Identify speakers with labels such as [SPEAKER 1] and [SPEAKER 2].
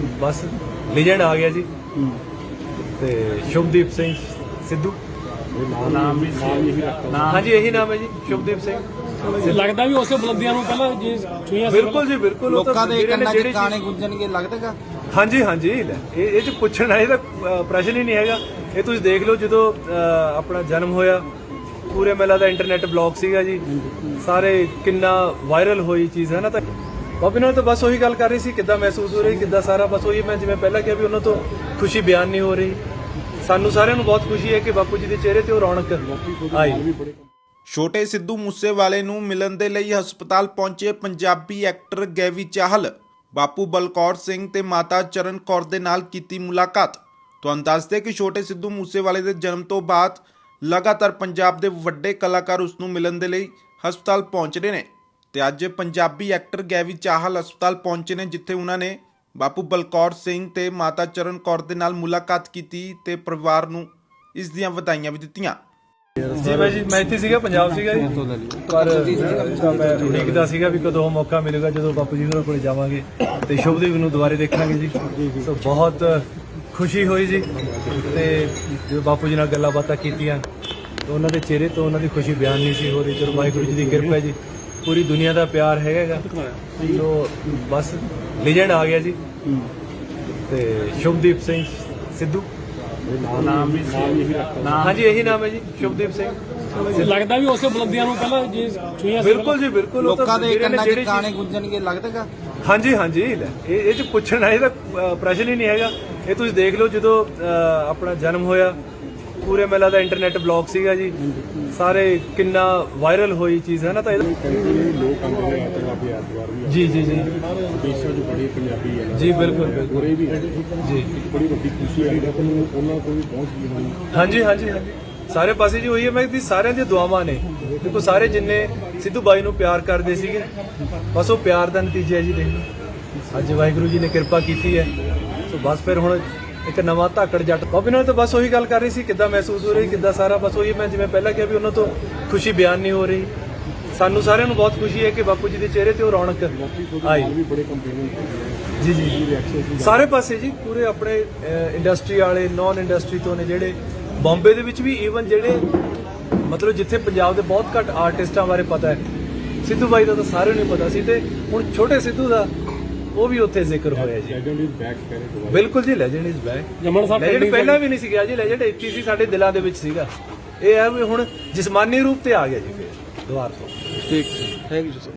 [SPEAKER 1] बस लीजेंड आ गया जी ते शुभदीप सिंह सिद्धू
[SPEAKER 2] ਨਾਮ ਵੀ ਨਾਮ
[SPEAKER 1] हाँ जी यही नाम है जी शुभदीप सिंह
[SPEAKER 2] ਲੱਗਦਾ ਵੀ ਉਸੇ ਬੁਲੰਦੀਆਂ ਨੂੰ ਪਹਿਲਾਂ ਜੇ ਛੂਈਆਂ ਸੀ
[SPEAKER 1] बिल्कुल जी बिल्कुल वो तो
[SPEAKER 3] ਲੋਕਾਂ ਦੇ
[SPEAKER 1] वीरे ने
[SPEAKER 3] ਕੰਨਾਂ 'ਚ
[SPEAKER 1] ਜਿਹੜੀ
[SPEAKER 3] ਗਾਣੇ ਗੁੰਜਣਗੇ ਲੱਗਦਾਗਾ
[SPEAKER 1] हाँ जी हाँ जी ਇਹ ਚ ਪੁੱਛਣ ਵਾਲੇ ਦਾ ਪ੍ਰਸ਼ਨ ਹੀ ਨਹੀਂ ਹੈਗਾ। ਇਹ ਤੁਸੀਂ ਦੇਖ ਲਓ ਜਦੋਂ ਆਪਣਾ ਜਨਮ ਹੋਇਆ ਪੂਰੇ ਮੇਲਾ ਦਾ ਇੰਟਰਨੈਟ ਬਲੌਗ ਸੀਗਾ ਜੀ ਸਾਰੇ ਕਿੰਨਾ ਵਾਇਰਲ ਹੋਈ ਚੀਜ਼ ਹੈ ਨਾ। ਤਾਂ ਬਾਬੀ ਨਾਲ ਤਾਂ ਬਸ ਉਹੀ ਗੱਲ ਕਰ ਰਹੀ ਸੀ ਕਿੱਦਾਂ ਮਹਿਸੂਸ ਹੋ ਰਹੀ ਕਿੱਦਾਂ ਸਾਰਾ ਬਸ ਉਹੀ ਮੈਂ ਜਿਵੇਂ ਪਹਿਲਾਂ ਕਿਹਾ ਵੀ ਉਹਨਾਂ ਤੋਂ ਖੁਸ਼ੀ ਬਿਆਨ ਨਹੀਂ ਹੋ ਰਹੀ। ਸਾਨੂੰ ਸਾਰਿਆਂ ਨੂੰ ਬਹੁਤ ਖੁਸ਼ੀ ਹੈ ਕਿ ਬਾਪੂ ਜੀ ਦੇ ਚਿਹਰੇ ਤੇ ਉਹ ਰੌਣਕ ਆਈ।
[SPEAKER 4] ਛੋਟੇ ਸਿੱਧੂ ਮੂਸੇਵਾਲੇ ਨੂੰ ਮਿਲਣ ਦੇ ਲਈ ਹਸਪਤਾਲ ਪਹੁੰਚੇ ਪੰਜਾਬੀ ਐਕਟਰ ਗੈਵੀ ਚਾਹਲ ਬਾਪੂ ਬਲਕੌਰ ਸਿੰਘ ਤੇ ਮਾਤਾ ਚਰਨ ਕੌਰ ਦੇ ਨਾਲ ਕੀਤੀ ਮੁਲਾਕਾਤ। ਤੁਹਾਨੂੰ ਦੱਸਦੇ ਕਿ ਛੋਟੇ ਸਿੱਧੂ ਮੂਸੇਵਾਲੇ ਦੇ ਜਨਮ ਤੋਂ ਬਾਅਦ ਲਗਾਤਾਰ ਪੰਜਾਬ ਦੇ ਵੱਡੇ ਕਲਾਕਾਰ ਉਸ ਨੂੰ ਮਿਲਣ ਦੇ ਲਈ ਹਸਪਤਾਲ ਪਹੁੰਚ ਰਹੇ ਨੇ ਤੇ ਅੱਜ ਪੰਜਾਬੀ ਐਕਟਰ ਗੈਵੀ ਚਾਹਲ ਹਸਪਤਾਲ ਪਹੁੰਚੇ ਨੇ ਜਿੱਥੇ ਉਹਨਾਂ ਨੇ ਬਾਪੂ ਬਲਕੌਰ ਸਿੰਘ ਤੇ ਮਾਤਾ ਚਰਨ ਕੌਰ ਦੇ ਨਾਲ ਮੁਲਾਕਾਤ ਕੀਤੀ ਤੇ ਪਰਿਵਾਰ ਨੂੰ ਇਸ ਦੀਆਂ ਵਧਾਈਆਂ ਵੀ ਦਿੱਤੀਆਂ।
[SPEAKER 1] ਜੀ ਬਾਈ ਜੀ ਮੈਂ ਇੱਥੇ ਸੀਗਾ ਪੰਜਾਬ ਸੀਗਾ ਜੀ ਪਰ ਮੈਂ ਉਡੀਕਦਾ ਸੀਗਾ ਵੀ ਕਦੋਂ ਮੌਕਾ ਮਿਲੇਗਾ ਜਦੋਂ ਬਾਪੂ ਜੀ ਹੋਰਾਂ ਕੋਲ ਜਾਵਾਂਗੇ ਤੇ ਸ਼ੁਭਦੀਪ ਨੂੰ ਦੁਬਾਰੇ ਦੇਖਾਂਗੇ ਜੀ। ਸੋ ਬਹੁਤ ਖੁਸ਼ੀ ਹੋਈ ਜੀ ਤੇ ਜਦੋਂ ਬਾਪੂ ਜੀ ਨਾਲ ਗੱਲਾਂ ਬਾਤਾਂ ਕੀਤੀਆਂ ਤਾਂ ਉਹਨਾਂ ਦੇ ਚਿਹਰੇ ਤੋਂ ਉਹਨਾਂ ਦੀ ਖੁਸ਼ੀ ਬਿਆਨ ਨਹੀਂ ਸੀ ਹੋ ਰਹੀ। ਚਲੋ ਵਾਹਿਗੁਰੂ ਜੀ ਦੀ ਕਿਰਪਾ ਜੀ ਪੂਰੀ ਦੁਨੀਆ ਦਾ ਪਿਆਰ ਹੈਗਾ ਸੋ ਬਸ ਲੀਜੈਂਡ ਆ ਗਿਆ ਜੀ ਤੇ ਸ਼ੁਭਦੀਪ ਸਿੰਘ ਸਿੱਧੂ
[SPEAKER 2] ਨਾਮ ਵੀ ਨਾਮ
[SPEAKER 1] हाँ जी यही नाम है जी शुभदीप सिंह
[SPEAKER 2] ਲੱਗਦਾ ਵੀ ਉਸੇ ਬੁਲੰਦੀਆਂ ਨੂੰ ਪਹਿਲਾਂ ਜੇ ਛੂਈਆਂ ਸੀ
[SPEAKER 1] बिल्कुल जी बिल्कुल वो तो
[SPEAKER 3] ਲੋਕਾਂ ਦੇ
[SPEAKER 1] वीरे ने
[SPEAKER 3] ਕੰਨਾਂ 'ਚ
[SPEAKER 1] ਜਿਹੜੀ
[SPEAKER 3] ਗਾਣੇ ਗੁੰਜਣਗੇ ਲੱਗਦਾਗਾ
[SPEAKER 1] हाँ जी हाँ जी ਇਹ ਚ ਪੁੱਛਣ ਵਾਲੇ ਦਾ ਪ੍ਰਸ਼ਨ ਹੀ ਨਹੀਂ ਹੈਗਾ। ਇਹ ਤੁਸੀਂ ਦੇਖ ਲਓ ਜਦੋਂ ਆਪਣਾ ਜਨਮ ਹੋਇਆ ਪੂਰੇ ਮੇਲਾ ਦਾ ਇੰਟਰਨੈਟ ਬਲੌਗ ਸੀਗਾ ਜੀ ਸਾਰੇ ਕਿੰਨਾ ਵਾਇਰਲ ਹੋਈ ਚੀਜ਼ ਹੈ ਨਾ। ਤਾਂ
[SPEAKER 5] ਲੋਕ ਆਉਂਦੇ ਨੇ ਪੰਜਾਬੀ ਐਤਵਾਰ ਵੀ
[SPEAKER 1] ਜੀ ਜੀ ਜੀ
[SPEAKER 5] ਦੇਸ਼ਾਂ 'ਚ ਬੜੇ ਪੰਜਾਬੀ ਹੈ
[SPEAKER 1] ਜੀ ਬਿਲਕੁਲ ਬਿਲਕੁਲ
[SPEAKER 5] ਉਰੇ ਵੀ ਹੈ
[SPEAKER 1] ਜੀ
[SPEAKER 5] ਬੜੀ ਵੱਡੀ ਖੁਸ਼ੀ ਹੈ ਕਿ ਉਹਨਾਂ ਕੋਲ ਵੀ ਪਹੁੰਚ ਗਈ ਹੋਣੀ।
[SPEAKER 1] हाँ जी हाँ जी हाँ जी ਸਾਰੇ ਪਾਸੇ ਜੀ ਹੋਈ ਹੈ। ਮੈਂ ਦੀ ਸਾਰਿਆਂ ਦੀਆਂ ਦੁਆਵਾਂ ਨੇ ਦੇਖੋ ਸਾਰੇ ਜਿੰਨੇ ਸਿੱਧੂ ਬਾਈ ਨੂੰ ਪਿਆਰ ਕਰਦੇ ਸੀਗੇ ਬਸ ਉਹ ਪਿਆਰ ਦਾ ਨਤੀਜਾ ਹੈ ਜੀ। ਦੇਖ ਲਓ ਅੱਜ ਵਾਹਿਗੁਰੂ ਜੀ ਨੇ ਕਿਰਪਾ ਕੀਤੀ ਹੈ ਸੋ ਬਸ ਫਿਰ ਹੁਣ ਇੱਕ ਨਵਾਂ ਧਾਕੜ ਜੱਟ ਬਾਬੇ ਨਾਲ ਤਾਂ ਬਸ ਉਹੀ ਗੱਲ ਕਰ ਰਹੀ ਸੀ ਕਿੱਦਾਂ ਮਹਿਸੂਸ ਹੋ ਰਹੀ ਕਿੱਦਾਂ ਸਾਰਾ ਬਸ ਉਹੀ ਮੈਂ ਜਿਵੇਂ ਪਹਿਲਾਂ ਕਿਹਾ ਵੀ ਉਹਨਾਂ ਤੋਂ ਖੁਸ਼ੀ ਬਿਆਨ ਨਹੀਂ ਹੋ ਰਹੀ। ਸਾਨੂੰ ਸਾਰਿਆਂ ਨੂੰ ਬਹੁਤ ਖੁਸ਼ੀ ਹੈ ਕਿ ਬਾਪੂ ਜੀ ਦੇ ਚਿਹਰੇ ਤੇ ਉਹ ਰੌਣਕ ਆਈ।
[SPEAKER 5] ਵੀ ਬੜੇ ਕੰਪੇਨਿੰਗ
[SPEAKER 1] ਜੀ ਜੀ ਸਾਰੇ ਪਾਸੇ ਜੀ ਪੂਰੇ ਆਪਣੇ ਇੰਡਸਟਰੀ ਵਾਲੇ ਨੌਨ ਇੰਡਸਟਰੀ ਤੋਂ ਨੇ ਜਿਹੜੇ ਬੰਬੇ ਦੇ ਵਿੱਚ ਵੀ ਈਵਨ ਜਿਹੜੇ ਮਤਲਬ ਜਿੱਥੇ ਪੰਜਾਬ ਦੇ ਬਹੁਤ ਘੱਟ ਆਰਟਿਸਟਾਂ ਬਾਰੇ ਪਤਾ ਹੈ ਸਿੱਧੂ ਬਾਈ ਦਾ ਤਾਂ ਸਾਰਿਆਂ ਨੂੰ ਪਤਾ ਸੀ ਤੇ ਹੁਣ ਛੋਟੇ ਸਿੱਧੂ ਦਾ ਉਹ ਵੀ ਉੱਥੇ ਜ਼ਿਕਰ ਹੋਇਆ ਜੀ।
[SPEAKER 5] ਲੈਜੈਂਡ ਇਜ਼ ਬੈਕ ਕਰੇ
[SPEAKER 1] ਬਿਲਕੁਲ ਜੀ ਲੈਜੈਂਡ ਇਜ਼ ਬੈਕ।
[SPEAKER 2] ਜਮਨ ਸਾਹਿਬ
[SPEAKER 1] ਲੈਜੈਂਡ ਪਹਿਲਾਂ ਵੀ ਨਹੀਂ ਸੀ ਗਿਆ ਜੀ ਲੈਜੈਂਡ ਇੱਥੇ ਸੀ ਸਾਡੇ ਦਿਲਾਂ ਦੇ ਵਿੱਚ ਸੀਗਾ। ਇਹ ਹੈ ਵੀ ਹੁਣ ਜਿਸਮਾਨੀ ਰੂਪ ਤੇ ਆ ਗਿਆ ਜੀ ਫਿਰ ਦੁਬਾਰ ਤੋਂ।
[SPEAKER 3] ਠੀਕ ਥੈਂਕ ਯੂ।